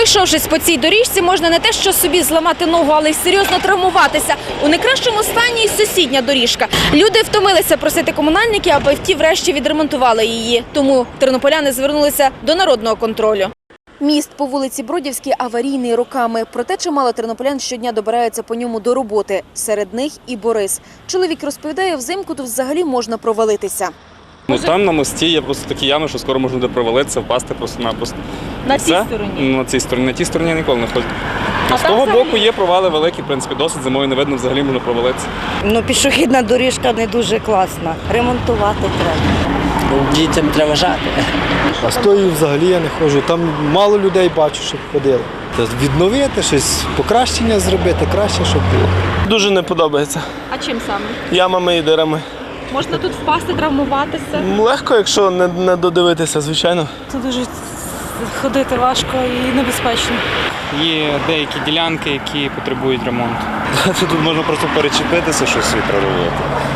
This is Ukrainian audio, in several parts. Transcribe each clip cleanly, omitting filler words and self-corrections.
Пройшовшись по цій доріжці, можна не те, що собі зламати ногу, але й серйозно травмуватися. У найкращому стані й сусідня доріжка. Люди втомилися просити комунальників, аби ті врешті відремонтували її. Тому тернополяни звернулися до народного контролю. Міст по вулиці Бродівській аварійний роками. Проте чимало тернополян щодня добираються по ньому до роботи. Серед них і Борис. Чоловік розповідає, взимку тут взагалі можна провалитися. Там на мості є просто такі ями, що скоро можна буде провалитися, впасти просто-напросто. На цій стороні? На цій стороні. На тій стороні я ніколи не ходжу. З того боку є провали великі, в принципі, досить зимою не видно, взагалі можна провалитися. Пішохідна доріжка не дуже класна. Ремонтувати треба. Дітям треба жати. А з тої взагалі я не ходжу. Там мало людей бачу, щоб ходили. Відновити щось, покращення зробити, краще, щоб було. Дуже не подобається. А чим саме? Ямами і дирами. Можна тут впасти, травмуватися? Легко, якщо не додивитися, звичайно. Тут дуже ходити важко і небезпечно. Є деякі ділянки, які потребують ремонту. Тут можна просто перечепитися, щось відправити.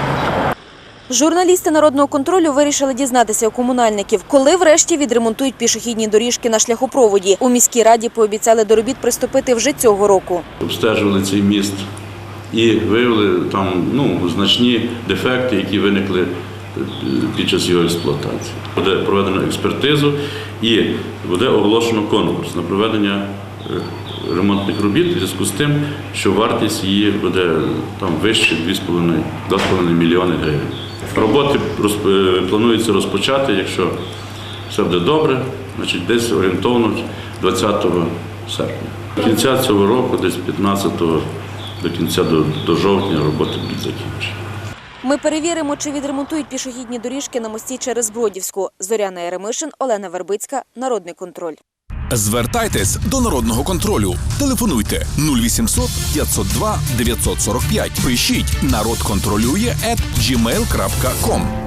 Журналісти народного контролю вирішили дізнатися у комунальників, коли врешті відремонтують пішохідні доріжки на шляхопроводі. У міській раді пообіцяли до робіт приступити вже цього року. Обстежували цей міст і виявили там значні дефекти, які виникли під час його експлуатації. Буде проведено експертизу і буде оголошено конкурс на проведення ремонтних робіт у зв'язку з тим, що вартість її буде там вище 2,5 мільйони гривень. Роботи планується розпочати, якщо все буде добре, значить десь орієнтовно 20 серпня. До кінця цього року, десь 15-го, до кінця до жовтня роботи будуть закінчені. Ми перевіримо, чи відремонтують пішохідні доріжки на мості через Бродівську. Зоряна Яремишин, Олена Вербицька, Народний контроль. Звертайтесь до Народного контролю. Телефонуйте 0800 502 945. Пишіть «Народ контролює» @gmail.com.